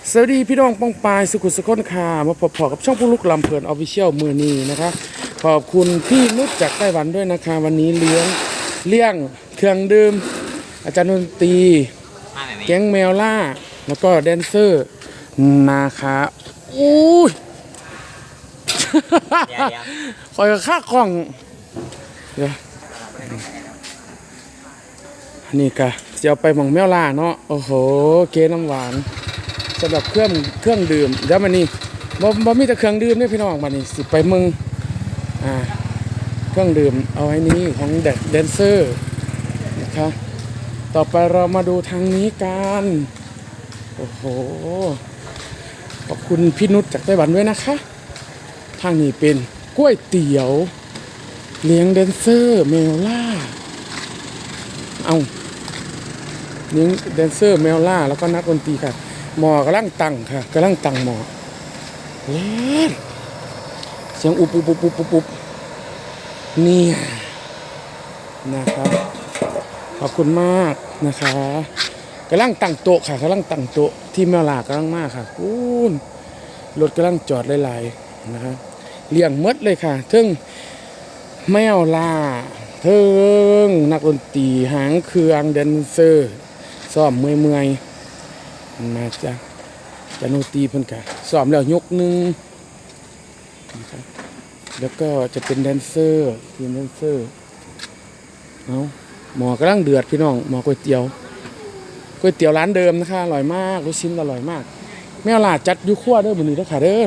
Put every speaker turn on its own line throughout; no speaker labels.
สวัสดีพี่น้องป้องปายสุขุมสุขนค่ะมาพบกับช่องผู้ลุกลำเพลินออฟฟิเชียลมือนี้นะคะขอบคุณพี่นุชจากไต้หวันด้วยนะคะวันนี้เลี้ยงเครื่องดื่มอาจารย์ดนตรีแก๊งแมวล่าแล้วก็แดนเซอร์นะคะอุ้ยคอยกับข้ากล้องเดี๋ยวนี่กะจะเอาไปหม่องแมวล่าเนาะโอ้โหเกน้ำหวานสำหรับเครื่องดื่มแล้วมันนี่บ่มีแต่เครื่องดื่มนี่พี่น้องมันนี่สิไปเมืองเครื่องดื่มเอาไว้นี้ของแดนเซอร์นะคะต่อไปเรามาดูทางนี้กันโอ้โหขอบคุณพี่นุชจากไต้หวันด้วยนะคะทางนี้เป็นก๋วยเตี๋ยวเลี้ยงแดนเซอร์เมลล่าเอาเลี้ยงแดนเซอร์เมลล่าแล้วก็นักดนตรีค่ะหมอกำลังตั้งค่ะกำลังตั้งหมอเล่นเสียงอุบนี่นะครับขอบคุณมากนะคะกำลังตั้งโต๊ะค่ะกำลังตั้งโต๊ะที่แมวลากำลังมากค่ะคุณรถกำลังจอดหลายๆนะครับเลี้ยงมดเลยค่ะทึ่งแมวลาทึ่งนักดนตรีหางเครื่องแดนเซอร์ซ้อมเมื่อยมาจ้ะจะโนตีเพิ่นกะซ้อมแล้วยกหนึ่งนะครับแล้วก็จะเป็นแดนเซอร์ทีมแดนเซอร์เอาหมอกำลังเดือดพี่น้องหมอก๋วยเตี๋ยวร้านเดิมนะคะอร่อยมากลูกชิ้นอร่อยมากแม่ลาจัดยุขั้วเด้อบุญนี้เด้อค่ะเด้อ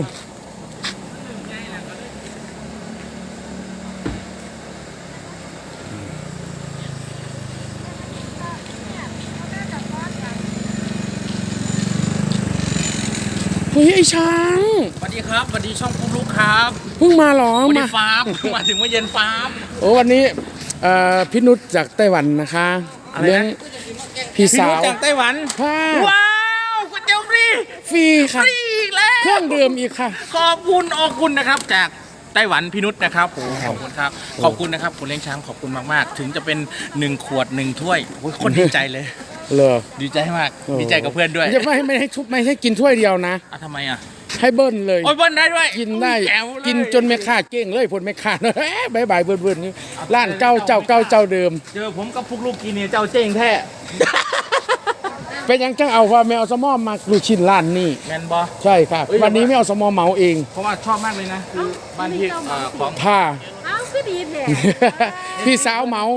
เฮ้ยไอ้ช้าง
สวัสดีครับสวัสดีช่องปุ๊กลุกครับ
เพิ่งมาหรอ
มาฟาร์มมาถึงว่าเย็นฟาร์ม
โอ้วันนี้พี่นุชจากไต้หวันนะคะเลี้ยงพี่สาว
จากไต้หวันว้าวก๋วยเตี๋ยวฟรี
ค่ะ
ฟรีอีกแล้ว
เครื่องดื่มอีกค่ะ
ขอบคุณนะครับจากไต้หวันพี่นุชนะครับขอบคุณครับขอบคุณนะครับคุณเลี้ยงช้างขอบคุณมากๆถึงจะเป็น1 ขวด 1 ถ้วยคนดีใจเลยดีใจมากดีใจกับเพื่อนด้วย
ไม่ให้กินถ้วยเดียวนะ
ทำไมอ่ะ
ให้เบิ้ลเลย
โอ้ยเบิ้ลได้ด้วย
กินได้กินจนไม่ขาดเก่งเลยผลไม่ขาดบายเบิ้ลนี่ร้านเก่าเจ้าเดิม
เจอผมกับพวกลูกกินเนี่ยเจ้าเจ้งแท้
เป็นยังจังเอาว่าไม่เอาสมอมาลูกชิ้นร้านนี่
แมนบอ
ใช่ครับวันนี้ไม่เอาสมอเหมาเอง
เพราะว่าชอบมากเลยนะคือบ้านที่ของ
ผ้า
คือดีแท้
พี่สาวเมา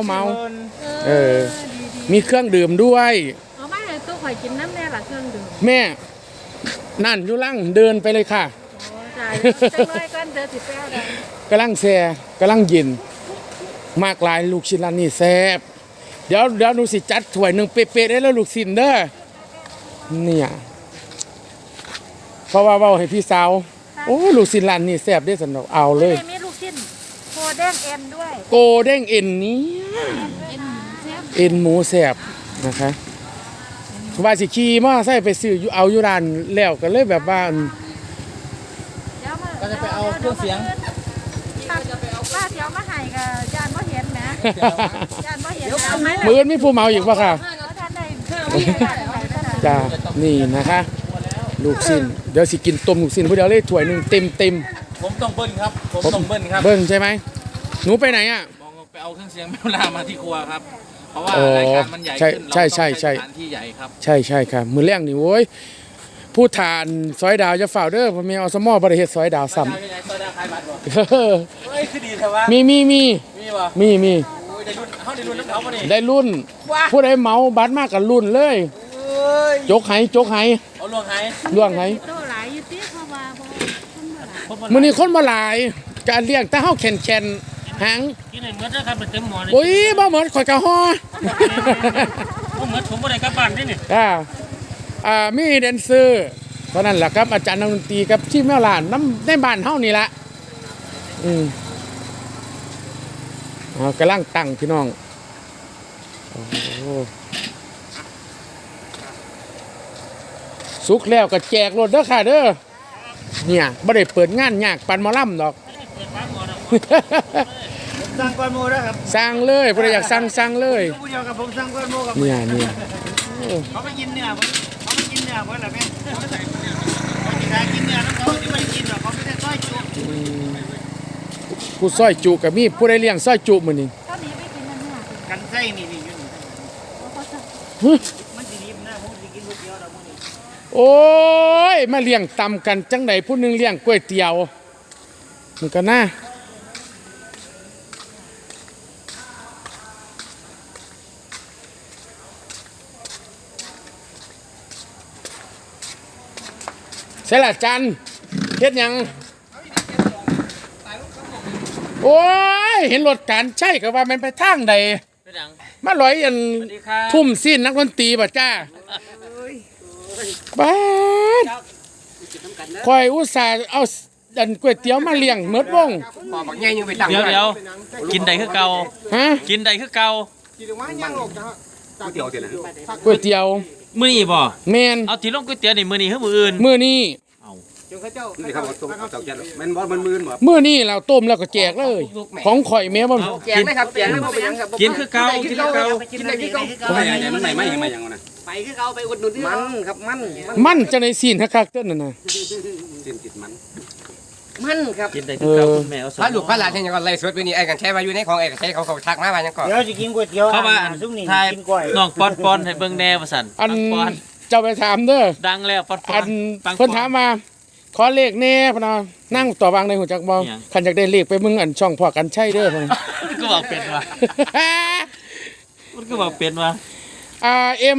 มีเครื่องดื่มด้วย
เอามาให้ตัวข่อยกินน้ำแน่ล่ะเครื่องดื่ม
แม่นั่นอยู่ล่างเดินไปเลยค่ะ
โอ้จ่ายจังเลยกันเดินสิแป้วได้
กำลังแซ่กำลังเย็นมากลายลูกชิ้นร้านนี้แซ่บเดี๋ยวหนูสิจัดถ้วยหนึ่งเป๊ะๆได้แล้วลูกชิ้นเด้อเนี่ยเพราะว่าเว้าให้พี่สาวโอ้ลูกชิ้นร้านนี้แซ่บได้สนุกเอาเลย
มีลูกชิ้นโกเด้งเอ็นด้วย
โกเด้งเอ็นนี้เอ็นหมูแซ่บนะคะว่าสิขี่มอไซค์ไปซื้อเอาอยู่ร้านแล้วก็เลยแบบว่า
ก็จะไปเอาเครื่องเสียง
ว่าเสียวมาให้กับจานบ่เห็นนะจานบ่เห็น
มื้อมีผู้เมาอีกป่ะค่ะจ้านี่นะคะลูกชิ้นเดี๋ยวสิกินต้มลูกชิ้นผู้เดียวเลยถ้วยนึงเต็ม
ผมต้องเบิ้ลครับผมต้องเบิ้ลครับ
เบิ้ลใช่ไหมหนูไปไหนอ่ะ
ไปเอาเครื่องเสียงแมวลามาที่ครัวครับเพราะว่ารายการมันใหญ่ขึ้นเราต้องใช้สถานที่ใหญ่ครับ
ใช่ครับมือแรกนี่โว้ยผู้ทานซอยดาวจะฝ่าเด้อผมมีเอาสมอบริเหตุซอยดาวซ้ำ
คือดีแต่ว่า
มีได้รุ่นผู้ใดเมาบัตรมากกับรุ่นเลยจกไห
เอาล่วง
ไหมื้อนี้คนมาหลายการเลี้ยงแต่เฮาแข่นหาง
กินให้หมดนะครับเต็มหม้อเลย
โอ้ยบ่หมดข่อยกะฮอ
บ่หมดผมบ่ได้กลับบ้านนี่
มีแดนเซอร์ตอนนั้นแหละครับอาจารย์นักดนตรีกับที่แม่หลานน้ำในบ้านเฮานี่ละกำลังตั้งพี่น้องสุกแล้วก็แจกรถเด้อค่ะเด้อเนี่ยบ่ได้เปิดงานยากปันหมอลำดอก
สร้างก้อนโมได้ครับ
สร้างเลยผู้ใดอยากสร้างเลย
ผู้เดียวกับผมสร้างก้อนโมกับ
เนี่ย
เขาไปกินเนี่ยเขาไปกินเนี่ย
อเพื่อนละแม่เขากินเนื้อแล้วเขาไม่ได้กินหรอกเขาไม่ได้ซอยจุ
ผู้ซอยจุก็มีผู้ใดเลี้ยงซอยจุมื้อนี้
ตอนนี้ไปกินนั่นเนี่ย
กันไส้นี่อยู่นี่
เขาจะ
หึ
มันสิริมนะผมสิกินก๋วยเตี๋ยวแล้วมื้อนี้
โอ้ยมาเลี้ยงตำกันจังไดผู้หนึงเลี้ยงก๋วยเตี๋ยวมันก็น่าใช่ละจันเฮ็ดหยังโอ้ยเห็นรถการใช่ก็ว่ามันไปทางใด
เป็นหยัง
มาลอยอัน
สวัสดีครับ
ทุ่มสิ้นนักดนตรีบ่จ้าบ้าดคอยอุตส่าห์เอาอันก๋วยเตี๋ยวมาเลี้ยงเมิดวง
เดี๋ยวกินใดคือเก่า
ฮะ
กินใดคือเก่า
ก๋วยเตี๋ยว
มื้อนี้บ่
แม่น
เอาที่ลงก๋วยเตี๋ยวนี่มื้อนี้คือมื้ออื่น
มื้อนี้
นี่ครับเอาตกใจมันบอลมันมืนบ่
มื้อนี้เราต้มแล้วก็แจกเลย ของข่อยแม่บ่
เอากินแจกเลยบ่เป็นหยังครับกินคือเก่ากินคือเก่า
กินได้ที่เขา
ไม่ใหญ่มันไหนไม่ยังไม่ยังนะ
ไปคือเขาไปอุดหนุนที่มันครับมัน
มันจังได๋ซีนคักๆเด้อนั่นน่ะ
สิ้นติดมัน
มันครับ
กินใดคือเก่าคุณแม่เอาส
พระลูกพระหลานเนี่ยก็ไล่สวดไปนี่ไอ้กันใช้มาอยู่ในของไอ้กันใช้เขาทักมาว่ายังก่อน
เดี๋ยวจะกินก๋วยเตี๋ยว
เข้ามาอัน
ซุ่มนี่
ทาย
กินกล้วย
น้องปอนให้เบิ่งแน่ว่าซั่น
อัน
ปอน
เจ้าไปถามเด้อ
ดังแล้วปอน
อัน
ปัง
เพิ่นถามมาขอเลขแน่พะนะนั่งต่อวางในหัวจักบ่
อิหยัง
คันอยากได้เลขไปมึงอันช่องพ่อกันใช่เด้อพะนะ
มันก็บอกเป็นว่ามันก็บอกเป็นว่า
เอ็ม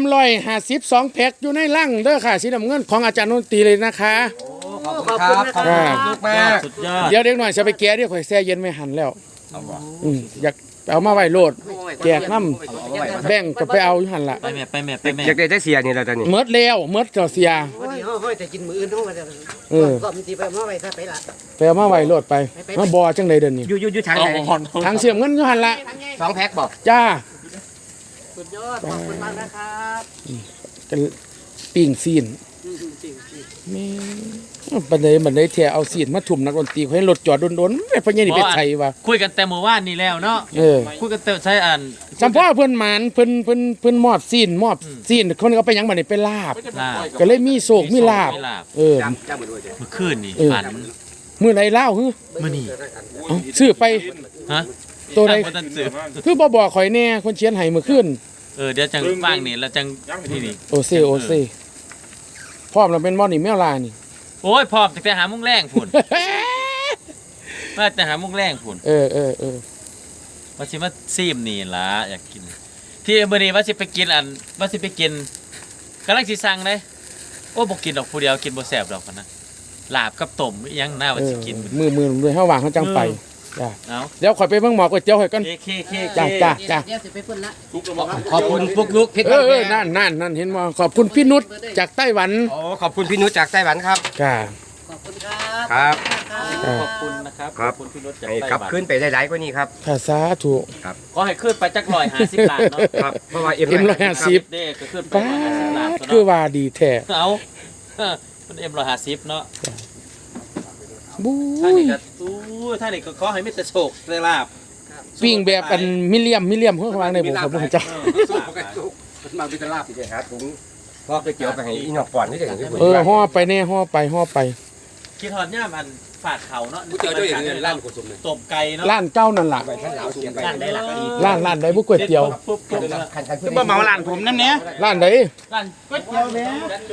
152แพ็คอยู่ในลังเด้อค่ะสีน้ำเงินของอาจารย์ดนตรีเลยนะคะ
ขอบคุณครับขอบคุณลูกมาก
สุดยอด
เดี๋ยวเด็กหน่อยจะไปแก้เดี๋ยวข่อยแช่เย็นไม่หันแล้วอยากเอามาไว้โลดแจกน้ำแบ่งก็ไปเอาอยู่หันละ
ไปแม่ไปแม่ไปแม่
อยากได้ได้เสียนี่แล้วตอนนี้
เมิดแล้วเมิดเจ้าเสีย
วันนี้เฮ้ยแต่กินมื้ออื่นเฮาว่าจะ
เออ
ก็มันสิไปมาไว้ซะไปละ
ไปเอามาไว้โลดไปมาบ่จังไดเดินนี่
อยู่ทาง
เอา
ไหน
หอน
ทางเสียมเงินอยู่หันละ
2แพ็คบอก
จ้า
สุดยอดขอบคุณมากนะครับ
กันปิ้งซีนแม่บันไดแท้เอาซีนมาทุ่มนักดนตรีเขาให้รถจอดโดนๆไอ้พญานี่ไปใส่ว่า
คุยกันแต่เมื่อวานนี้แล้วเนาะ
เออ
คุยกันแต่ใช้อัน
จำพ่อเพิ่นหมานเพิ่นมอบซีนคนเอาไปหยังบัดนี้ไปลาบ
ลาบ
ก็เลยมีโศกมีลาบ
มีลาบ
เออ
จ้าเหมือนด้วย
เมื่อคืนนี่
เออ
ฝัน
มื้อไหนเล่าฮึ
มื้อนี้
เอ้าซื้อไป
ฮะ
ตัวใด
บ่ทันซื้อ
คือบ่บอกข่อยแน่คนเขียนให้มื้อคืน
เดี๋ยวจังว่างนี่แล้วจังนี่
โอเซพร้อมแล้วเป็นบ่นี่แมวลานี่
โอ้ยพร้อมตั้งแต่หาโมงแรงพุ่นมาแต่หาโมงแรงพุ่น
เออ
ว่าสิมาซีมนี่ล่ะอยากกิน ที่มื้อนี้ว่าสิไปกินว่าสิไปกินกำลังสิสั่งเลยโอ้บ่กินดอกผู้เดียวกินบ่แซ่บดอกพะนะลาบกับต้มอีหยังน่าว่าสิกิน
มือด้วยเฮาว่างเฮาจังไปจ้ะ
เอา
เดี๋ยวข่อยไปเบิ่งหมอก๋วยเตี๋ยวให้ก่อน
เค
จ้า
เดี๋ยวสิไปเพิ่นละ
ขอบคุณปุ๊กลุกเพชร
นั่นเห็นบ่ขอบคุณพี่นุชจากไต้หวัน
โอ้ขอบคุณพี่นุชจากไต้หวันครับ
จ้า
ขอบคุณครับ
ครับ
ขอบคุณนะครับ
ครับ
ขอบคุณพี่รถจาก
ให้
ไต้
กลับ
หวัน
ขึ้นไปหลายๆกว่านี้ครับ
ถ้าสาธุ
ขอให้ขึ้นไปจัก150ล้านเนาะ
ครับเพราะว่า
เอ็ม150
เด้ก็ขึ้นไป
ป้า
150ล้าน
ด
ตัว
คือ
เนาะ
ว่าดีแท้
เอามันM150เนาะ
บู๊
ท่าน
ย
นี่ก็ท่านนี่ก็ขอให้มีแต่โชคได้ลาบ
ปิ้งแบบอันมิเลียมเพิ่นวางในบ่ครับผมจ้า
มันมาเป็นตลาบ
ที่จะหาถุงพอกไปเกี่ยวไปให้อีนอกก่อนที่จะเห็นที่
ห่อไปแน่ห่อไป
คิดฮอดย่ามอันฝาดเขาเนาะ
กูเจอเจ้าอย่างนี้ร้านกุศลเลย
ตบไก่เนาะ
ร้านเก้านั่นล่ะ
ท่านเหลาเสียไป
ร้านได้หลัก
ร้านใดบ่ก๋วยเตี๋ยว
ปุ๊บปุ๊บเนาะ
คัน
คือบ่เมาร้านผมนั่นเนี่ย
ร้านใด
ร้านก๋วยเตี๋ยวแม่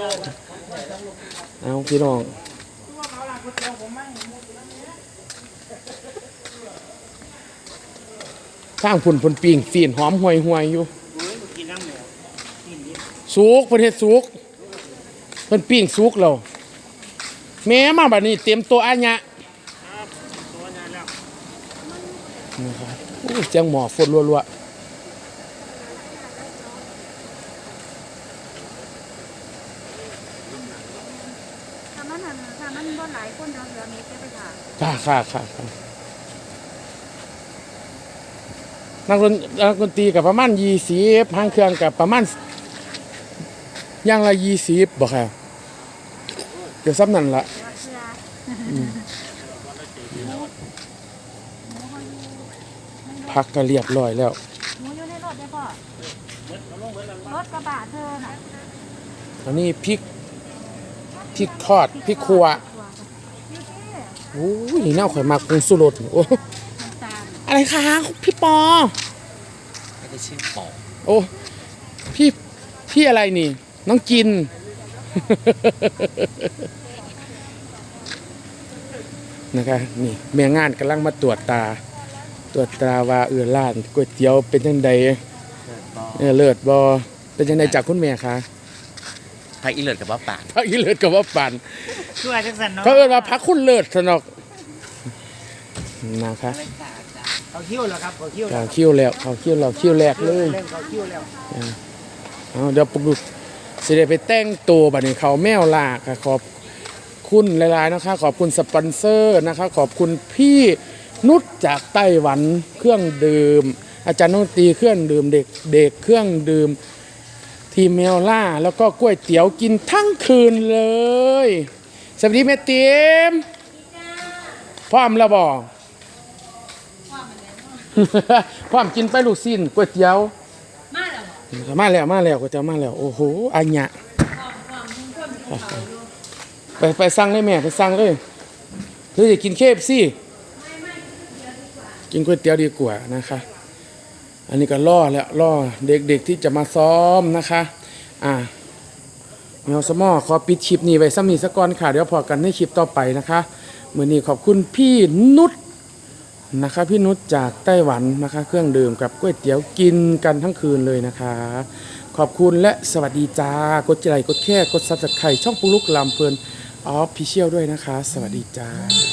เอาพี่น้องข้างพุ่นปิ้งฟีนหอมห่วยอยู่สุกเพิ่นเฮ็ดสุกเพิ่นปิ้งสุกแล้วแม่มาบัดนี้เตรียมตัวอาญะนะครับโอ้ยเสียงหมอฝนรัวๆ
ถ้ามันบ่หลายคนเราเหลือมีไปค่ะ
ค่ะนักดนตรีกับประมาณ20หางเครื่องกับประมาณอย่างละ20บ่ค่ะเดี๋ยวซ้ำนั่นละ
เดี๋ยวเชื่อ
พักก็เรียบร้อยแล้ว
หมูอยู่ในรถได้ป่ะรถกระบะเธอน่ะ
อันนี้พริกพริกทอดพริกขัวโอ้ยนี่น่าข่อยมากปรุงสุรสโอ้อะไรคะพี่ปอ
ไม่ได้ชื่อปอ
โอ้พี่อะไรนี่ น้องจิน นะคะนี่แม่งานกำลังมาตรวจตาว่าร้านก๋วยเตี๋ยวเป็นจังไดเลิศบ่เป็นจังไดจากคุณแม่คะ
พักอีเลิศกับว่าป่าน
พักอีเลิศกับว่าปั่น
ช่วยจังสันเนาะ
เขาเอิ้นว่าพักคุณเลิศสนอกนะคะ
เขาคิ้วแล้วครับเขาคิ้ว
เขาคิ้วแล้วคิ้วแรกเลย
เล่นเขาคิ้วแล้ว
เอาเดี๋ยวปลุกสิได้ไปแต่งตัวบัดนี้เขาแมวลาค่ะขอบคุณหลายๆนะคะขอบคุณสปอนเซอร์นะคะขอบคุณพี่นุชจากไต้หวันเครื่องดื่มอาจารย์ดนตรีเครื่องดื่มเด็กเครื่องดื่มทีมแมวล่าแล้วก็ก๋วยเตี๋ยวกินทั้งคืนเลยสวัสดีแม่เตียมพร้อมแล้วบ่พร้อมกินไปลูกชิ้นก๋วยเตี๋ยวมาแล้วก๋วยเตี๋ยวมาแล้วโอ้โหอัญญะไปสั่งเลยแม่ไปสั่งเลยหรือจะกินKFCกินก๋วยเตี๋ยวดีกว่านะคะอันนี้ก็ล่อเด็กๆที่จะมาซ้อมนะคะแมวสมอขอปิดคลิปนี้ไว้ซ้ำนี้สักก่อนค่ะเดี๋ยวพอกันในคลิปต่อไปนะคะมื้อนี้ขอบคุณพี่นุชนะคะพี่นุชจากไต้หวันนะคะเครื่องดื่มกับก๋วยเตี๋ยวกินกันทั้งคืนเลยนะคะขอบคุณและสวัสดีจ้ากดไลค์กดแชร์กด Subscribe ช่องปุ๊กลุกลำเพลินออฟฟิเชียลด้วยนะคะสวัสดีจ้า